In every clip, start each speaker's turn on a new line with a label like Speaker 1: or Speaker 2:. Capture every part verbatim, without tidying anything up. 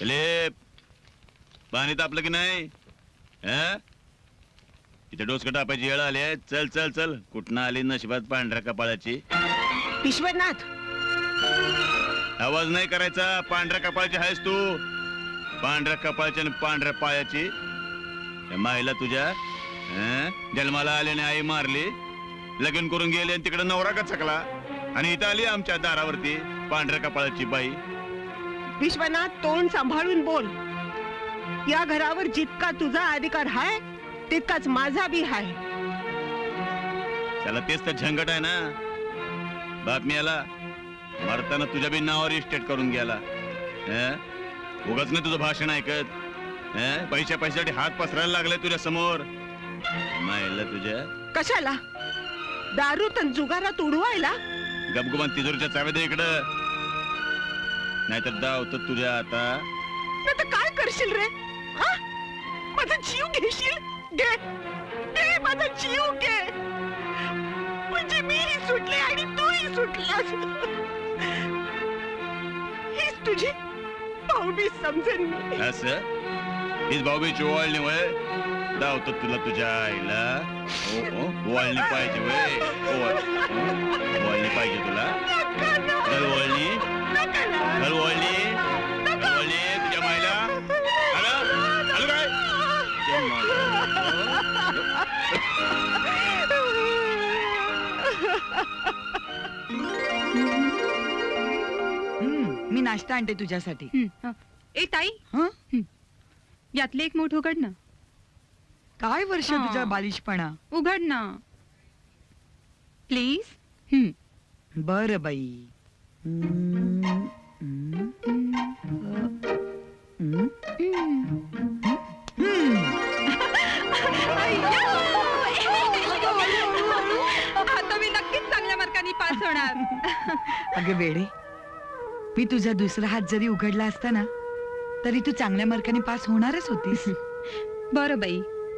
Speaker 1: Philip, पाणी तापलं की नाही? इथे डोसकं टापायची वेळ आली आहे. चल चल चल. कुठनं आली नशिबात पांढऱ्या कपाळाची?
Speaker 2: विश्वनाथ,
Speaker 1: आवाज नाही करायचा. पांढऱ्या कपाळाची आहेस तू. पांढऱ्या कपाळची आणि पांढऱ्या पायाची. माईला तुझ्या हं? जन्माला आल्याने आई मारली, लगीन करून गेली आणि तिकडे नवरा का चकला, आणि इथं आली आमच्या दारावरती पांढऱ्या कपाळाची बाई.
Speaker 2: विश्वनाथ, तोंड सांभाळून बोल. या घरावर जितका तुझा अधिकार आहे तितकाच माझा बी आहे.
Speaker 1: त्याला तेच तर झंगट आहे ना. बातमी आला मरताना तुझ्या बी नावावर इस्टेट करून गेला. उगाच नाही तुझं भाषण ऐकत. पैशा पैशासाठी हात पसरायला लागले तुझ्या समोर. मायला तुझ्या
Speaker 2: कशाला? दारू तन जुगारात उडवायला?
Speaker 1: गपगुमान तिजोरीच्या चाव्या दे इकडं, नाहीतर दावत तुझ्या आता.
Speaker 2: नाही तर काय करशील रे? हा? माझा जीव घेशील? घे घे, माझा जीव घे. म्हणजे मीही सुटले आणि तूही सुटलास. हीच तुझी भाऊबी समजेन मी.
Speaker 1: असं हीच भाऊबीची ओवाळणी वय? दावतो तुला तुझ्या आईला. हो हो, ओवाळणी पाहिजे वय. ओवाळणी पाहिजे तुला. चल ओवाळणी, चल ओवाळणी, ओवाळणी तुझ्या मायला. आलं आलं काय?
Speaker 3: मी नाश्ता आणते तुझ्यासाठी.
Speaker 4: ए ताई,
Speaker 3: हं?
Speaker 4: यातले एक मोठ उघड ना.
Speaker 3: काय वर्ष
Speaker 4: हा.
Speaker 3: तुझा बालिशपणा.
Speaker 4: उघड ना प्लीज.
Speaker 3: बर बाई. हम्म, हम्म, हम्म, हम्म.
Speaker 4: आता मी नक्कीच चांगल्या मार्कांनी पास होणार.
Speaker 3: अगं वेडे, मी तुझा दुसरा हात जरी उघडला असता ना तरी तू चांगल्या मार्काने पास होणारच होतीस.
Speaker 4: बरं बाई,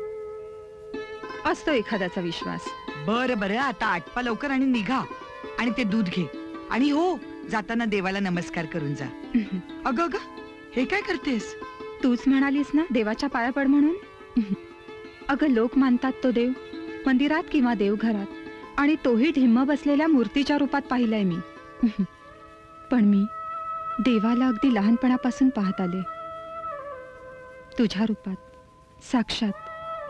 Speaker 4: असतो एखाद्याचा विश्वास.
Speaker 3: बरं बरं, आता आटपा लवकर आणि निघा आणि ते दूध घे. आणि हो, जाताना देवाला नमस्कार करून जा. अगं अगं, हे काय करतेस?
Speaker 4: तूच म्हणालीस ना देवाच्या पाया पड म्हणून. अगं लोक मानतात तो देव मंदिरात किंवा देवघरात, आणि तोही ढिम्म बसलेल्या मूर्तीच्या रूपात पाहिलाय मी. पण मी देवाला अगदी लहानपणापासून पाहत आले, तुझ्या रूपात साक्षात.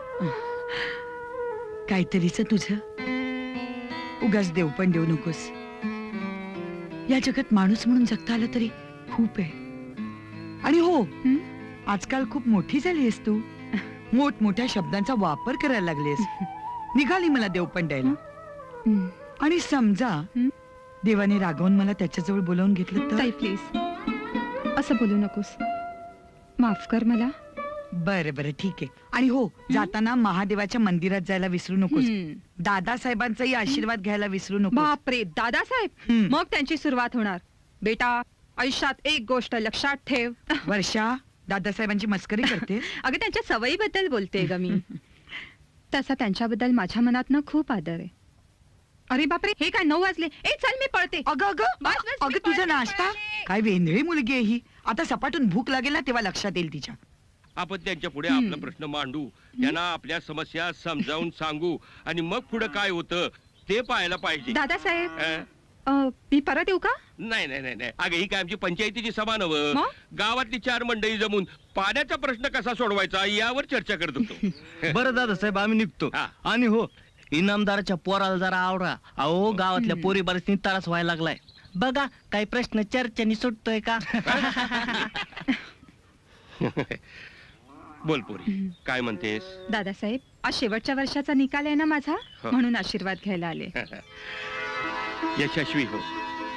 Speaker 3: काहीतरीच तुझं. उगाच देव पण देऊ नकोस. या जगात माणूस म्हणून जगता आलं तरी खूप आहे. आणि हो, आजकाल खूप मोठी झालीस तू. मोठमोठ्या शब्दांचा वापर करायला लागलीस. निघाली मला देव पण द्यायला. आणि समजा देवाने रागवून मला त्याच्याजवळ बोलावून घेतलं तर?
Speaker 4: ताई प्लीज असं बोलू नकोस. माफ कर मला.
Speaker 3: बरं बरं ठीक आहे. आणि हो, जाताना महादेवाच्या मंदिरात जायला विसरू नकोस. दादासाहेबांचाही आशीर्वाद घ्यायला विसरू नको.
Speaker 4: बापरे, दादासाहेब? मग त्यांची सुरुवात होणार. बेटा, आयुष्यात एक गोष्ट लक्षात ठेव.
Speaker 3: वर्षा, दादासाहेबांची मस्करी करते.
Speaker 4: अगं त्यांच्या सवयीबद्दल बोलते ग मी. तसा त्यांच्याबद्दल माझ्या मनात खूप आदर आहे. अरे बापरे, हे काय नऊ वाजले. ए चल मी पळते.
Speaker 3: अगं अगं
Speaker 4: बस, बस, मी
Speaker 3: अगं तुझा
Speaker 4: पळते,
Speaker 3: नाश्ता.
Speaker 4: पळते.
Speaker 3: काय वेंधळी मुलगी आहे ही. आता सपाटून भूक लागेल ना तेव्हा लक्षात येईल तिच्या.
Speaker 5: आपण त्यांच्या पुढे आपला प्रश्न मांडू, त्यांना आपल्या समस्या समजावून सांगू, आणि मग पुढे काय होतं ते पाहायला पाहिजे.
Speaker 4: दादासाहेब,
Speaker 5: अं?
Speaker 4: अ, मी परत येऊ का?
Speaker 5: नाही नाही नाही नाही. अगं ही काय आमची पंचायतीची सभा नव्ह.
Speaker 4: मग?
Speaker 5: गावातली चार मंडळी जमून पाण्याचा प्रश्न कसा सोडवायचा यावर चर्चा करत होतो.
Speaker 6: बरं दादासाहेब, आम्ही निघतो.
Speaker 5: हा.
Speaker 6: आणि हो, इनामदाराच्या पोराला जरा आवरा. अहो गावातल्या पोरी बरेच त्रास व्हायला लागलाय. बघा काही प्रश्न चर्चेने सुटतोय का?
Speaker 5: बोल पोरी, काय म्हणतेस?
Speaker 4: दादासाहेब, आज शेवटच्या वर्षाचा निकाल आहे ना माझा,
Speaker 5: हो.
Speaker 4: म्हणून आशीर्वाद घ्यायला आले.
Speaker 5: यशस्वी हो.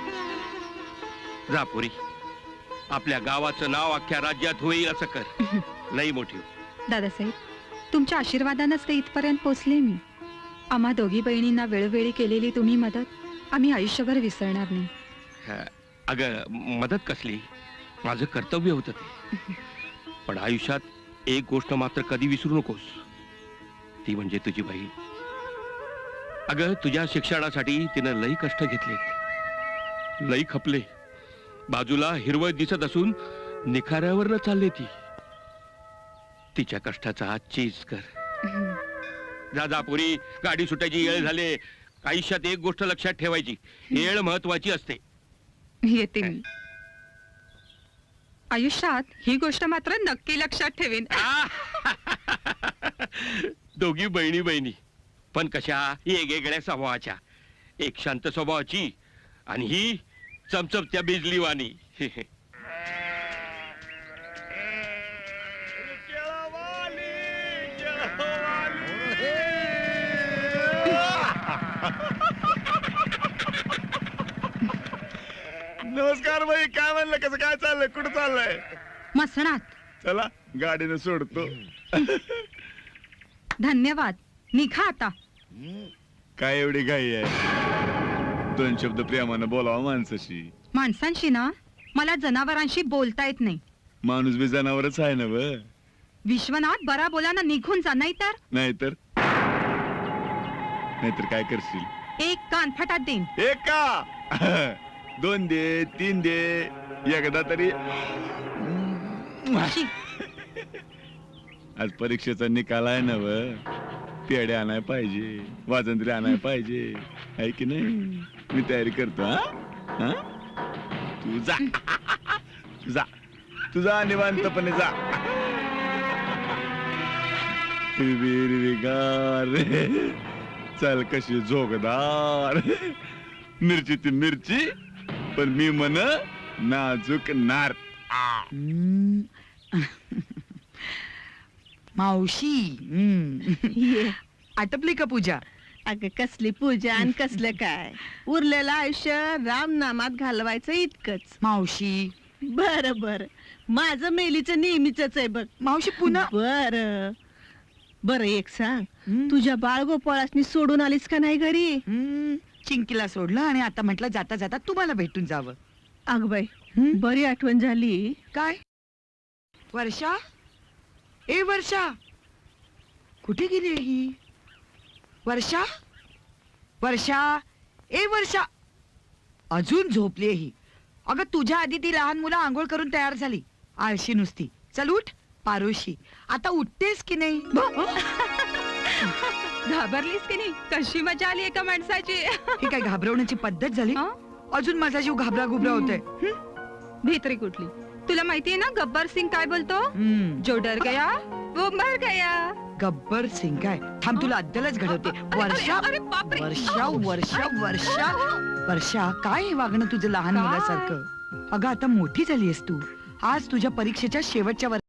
Speaker 5: जा पोरी, आपल्या गावाचं नाव अख्ख्या राज्यात होईल असं कर. लई मोठी हो.
Speaker 4: दादासाहेब, तुमच्या आशीर्वादानच ते इथपर्यंत पोचले मी. आम्हा दोघी बहिणींना वेळोवेळी केलेली तुम्ही मदत आम्ही आयुष्यभर विसरणार नाही.
Speaker 5: हा, अगं मदत कसली, माझं कर्तव्य होतं ते. पण आयुष्यात एक गोष्ट मात्र कधी विसरू नकोस, ती म्हणजे तुझी बहीण. अगं तुझ्या शिक्षणासाठी तिनं लई कष्ट घेतले, लई खपले. बाजूला हिरवळ दिसत असून निखाऱ्यावर चालले ती तिच्या कष्टाचा आज चीज कर. जा जा पोरी, गाडी सुटायची येळ झाले. आयुष्यात एक गोष्ट लक्षात ठेवायची, येळ महत्वाची असते.
Speaker 4: येते मी. आयुष्यात ही गोष्ट मात्र नक्की लक्षात ठेवीन.
Speaker 5: दोघी बहिणी बहिणी, पण कशा वेगवेगळ्या स्वभावाच्या. एक शांत स्वभावाची आणि ही चमचमत्या बिजलीवाणी.
Speaker 1: नमस्कार बाई, काय म्हणलं, कसं काय चाललंय, कुठं चाललंय?
Speaker 4: मसणात.
Speaker 1: चला गाडीनं सोडतो.
Speaker 4: धन्यवाद. निघा आता.
Speaker 1: काय एवढी घाई आहे? दोन शब्द प्रेमानं बोलावा माणसाशी.
Speaker 4: माणसांशी ना मला जनावरांशी बोलता येत नाही.
Speaker 1: माणूस बी जनावरच आहे ना व.
Speaker 4: विश्वनाथ, बरा बोलाना निघून जा, नाही तर
Speaker 1: नाहीतर नाहीतर काय करशील?
Speaker 4: एक कान फटात देईन.
Speaker 1: एक का दोन दे, तीन दे, एकदा तरी.
Speaker 4: शी.
Speaker 1: आज परीक्षेचा निकाल आहे ना व. पेढे आणाय पाहिजे, वाजंत्री आणाय पाहिजे, आहे की नाही? मी तयारी करतो. हा हा? तू जा तू जा तू जा निवांतपणे जा. हिरवीगार चल कशी झोगदार. मिरची ती मिरची, पण मी म्हण नाजूक नार.
Speaker 3: हम्म. मावशी, हम्म. आटपली का पूजा?
Speaker 2: अगं कसली पूजा आणि कसलं काय, उरलेलं आयुष्य रामनामात घालवायचं इतकंच.
Speaker 3: मावशी
Speaker 2: बर बर, माझं मेलीचं नेहमीच आहे बघ.
Speaker 3: मावशी पुन्हा
Speaker 2: बर बर, एक सांग,
Speaker 3: हम्म.
Speaker 2: तुझ्या बाळगोपाळासनी सोडून आलीस का नाही घरी?
Speaker 3: हम्म. चिंकीला सोडलं आणि आता म्हटलं जाता जाता तुम्हाला भेटून जावं.
Speaker 2: अग बाई,
Speaker 3: हम्म.
Speaker 2: बरी आठवण झाली.
Speaker 3: काय वर्षा? ए वर्षा, कुठे गेली ही? वर्षा, वर्षा, ए वर्षा, अजून झोपली ही. अगं तुझ्या आधी ती लहान मुलं आंघोळ करून तयार झाली. आळशी नुसती. चल उठ पारोशी, आता उठतेस की नाही?
Speaker 4: घाबरलीस की नाही? कशी मजा आली एका माणसाची.
Speaker 3: ही काय घाबरवण्याची पद्धत झाली?
Speaker 4: हं?
Speaker 3: अजून माझा जीव घाबरा घुबरा होतोय.
Speaker 4: भीतरी कुठली? तुला माहितीये ना गब्बर सिंग काय बोलतो?
Speaker 3: हम्म.
Speaker 4: जो डर गया वो मर गया.
Speaker 3: गब्बर सिंग काय? थांब तुला अद्दलच घडवते.
Speaker 4: अरे,
Speaker 3: वर्षा,
Speaker 4: अरे, अरे, बापरे.
Speaker 3: वर्षा, वर्षा, वर्षा, वर्षा, काय हे वागणं तुझं लहान
Speaker 4: काय?
Speaker 3: मुलासारखं? अगं आता मोठी झालीयस तू. आज तुझ्या परीक्षेच्या शेवटच्या वर्षात